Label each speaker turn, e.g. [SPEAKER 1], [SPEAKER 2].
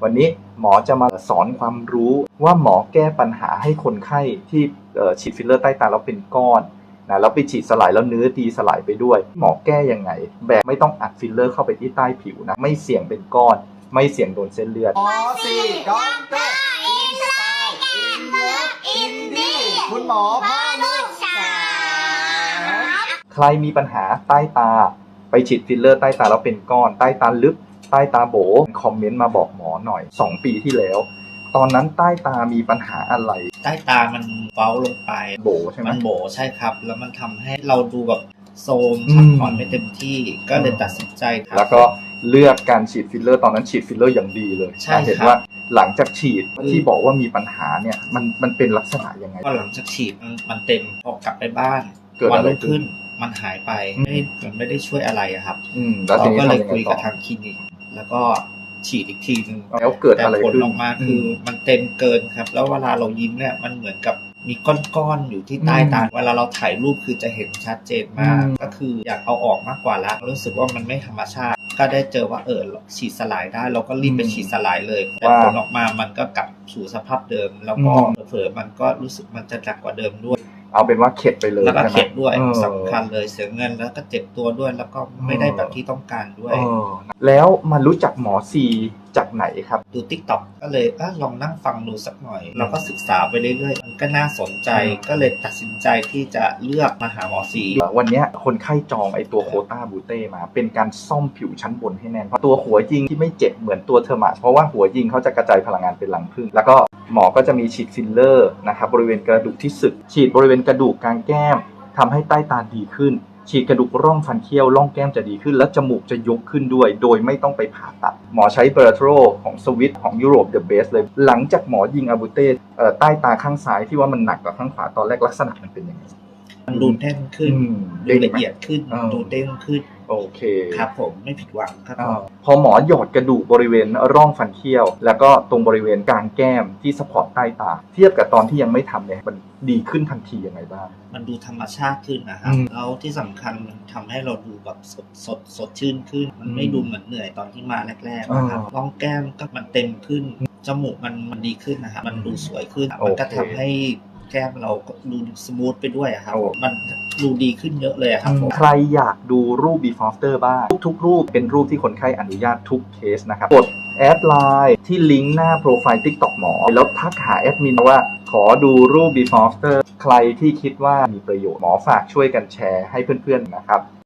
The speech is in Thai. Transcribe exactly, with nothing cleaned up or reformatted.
[SPEAKER 1] วันนี้หมอจะมาสอนความรู้ว่าหมอแก้ปัญหาให้คนไข้ที่ฉีดฟิลเลอร์ใต้ตาแล้วเป็นก้อนนะแล้วไปฉีดสลายแล้วเนื้อดีสลายไปด้วยหมอแก้ยังไงแบบไม่ต้องอัดฟิลเลอร์เข้าไปที่ใต้ผิวนะไม่เสี่ยงเป็นก้อนไม่เสี่ยงโดนเส้นเลือด
[SPEAKER 2] หมอสี่ด็อกเตอร์อินไซด์อินเลิฟอินดี้คุณหมอพ่อลูกสาว
[SPEAKER 1] ใครมีปัญหาใต้ตาไปฉีดฟิลเลอร์ใต้ตาแล้วเป็นก้อนใต้ตาลึกใต้ตาโบคอมเมนต์มาบอกหมอหน่อยสองปีที่แล้วตอนนั้นใต้ตามีปัญหาอะไร
[SPEAKER 3] ใต้ตามันเฟ้าลงไป
[SPEAKER 1] โบใช่ไหม
[SPEAKER 3] มันโบใช่ครับแล้วมันทำให้เราดูแบบโซมพักผ่อนไม่เต็มที่ก็เลยตัดสินใจ
[SPEAKER 1] แล้วก็เลือกการฉีดฟิลเลอร์ตอนนั้นฉีดฟิลเลอร์อย่างดีเลย
[SPEAKER 3] ใช่
[SPEAKER 1] เห็นว่าหลังจากฉีดที่บอกว่ามีปัญหาเนี่ยมันมันเป็นลักษณะยังไง
[SPEAKER 3] ก็หลังจากฉีดมันมันเต็มพอกลับไปบ้าน
[SPEAKER 1] วัน
[SPEAKER 3] รุ่งขึ้นมันหายไปไม่มันไม่ได้ช่วยอะไรครับ
[SPEAKER 1] เรา
[SPEAKER 3] ก็เลยคุยกับทางคลินิกแล้วก็ฉีดอีกทีนึง
[SPEAKER 1] แล้วเกิดอะไร
[SPEAKER 3] ขึ้นผล
[SPEAKER 1] อ
[SPEAKER 3] อกมาคือมันเต็มเกินครับแล้วเวลาเรายิ้มเนี่ยมันเหมือนกับมีก้อนๆอยู่ที่ใต้ตาเวลาเราถ่ายรูปคือจะเห็นชัดเจนมากก็คืออยากเอาออกมากกว่าละรู้สึกว่ามันไม่ธรรมชาติก็ได้เจอว่าเออฉีดสลายได้เราก็รีบไปฉีดสลายเลยแต่ผลออกมามันก็กลับสู่สภาพเดิมแล้วก็เผลอๆมันก็รู้สึกมันจะหนักกว่าเดิมด้วย
[SPEAKER 1] เอาเป็นว่าเข็ดไปเลย
[SPEAKER 3] แล้วก็เข็ดด้วยสำคัญเลยเสียเงินแล้วก็เจ็บตัวด้วยแล้วก็ไม่ได้แบบที่ต้องการด้วย
[SPEAKER 1] แล้วมารู้จักหมอซีจากไหนครับ
[SPEAKER 3] ดู ติ๊กต็อก ก็เลยเออลองนั่งฟังดูสักหน่อยเราก็ศึกษาไปเรื่อยๆมันก็น่าสนใจก็เลยตัดสินใจที่จะเลือกมาหาหมอซี
[SPEAKER 1] วันนี้คนไข้จองไอตัวโคต้าบูเต้มาเป็นการซ่อมผิวชั้นบนให้แน่นเพราะตัวหัวยิงที่ไม่เจ็บเหมือนตัวเทอร์มาเพราะว่าหัวยิงเขาจะกระจายพลังงานเป็นรังผึ้งแล้วก็หมอก็จะมีฉีดฟิลเลอร์นะครับบริเวณกระดูกที่สึกฉีดบริเวณกระดูกกลางแก้มทำให้ใต้ตาดีขึ้นฉีดกระดูกร่องฟันเคี้ยวร่องแก้มจะดีขึ้นและจมูกจะยกขึ้นด้วยโดยไม่ต้องไปผ่าตัดหมอใช้เบอร์โทรของสวิตของยุโรปเดอะเบสเลยหลังจากหมอยิงอาบูเต้ใต้ตาข้างซ้ายที่ว่ามันหนักกว่าข้างขวาตอนแรกลักษณะมันเป็นยังไง
[SPEAKER 3] มันดูเด้งขึ้นดูละเอียดขึ้นดูเด้งขึ้น
[SPEAKER 1] โอเค
[SPEAKER 3] ครับผมไม่ผิดหวังครับ
[SPEAKER 1] พอหมอหยอดกระดูกบริเวณร่องฟันเคี้ยวแล้วก็ตรงบริเวณกลางแก้มที่สปอร์ตใต้ตาเทียบกับตอนที่ยังไม่ทำเนี่ยมันดีขึ้นทันทียังไงบ้าง
[SPEAKER 3] มันดูธรรมชาติขึ้นนะครับแล้วที่สำคัญมันทำให้เราดูแบบสดสดสดชื่นขึ้นมันไม่ดูเหมือนเหนื่อยตอนที่มาแรกๆนะครับร่องแก้มก็มันเต็มขึ้นจมูกมันมันดีขึ้นนะครับมันดูสวยขึ้นมันก็ทำให้แก้มเราก็ดูสมูทไปด้วยครับมันดูดีขึ้นเยอะเลยครับ
[SPEAKER 1] ใครอยากดูรูป before after บ้างทุกๆรูปเป็นรูปที่คนไข้อนุญาตทุกเคสนะครับกดแอดไลน์ที่ลิงก์หน้าโปรไฟล์ ติ๊กต็อก หมอแล้วทักหาแอดมินว่าขอดูรูป before after ใครที่คิดว่ามีประโยชน์หมอฝากช่วยกันแชร์ให้เพื่อนๆนะครับ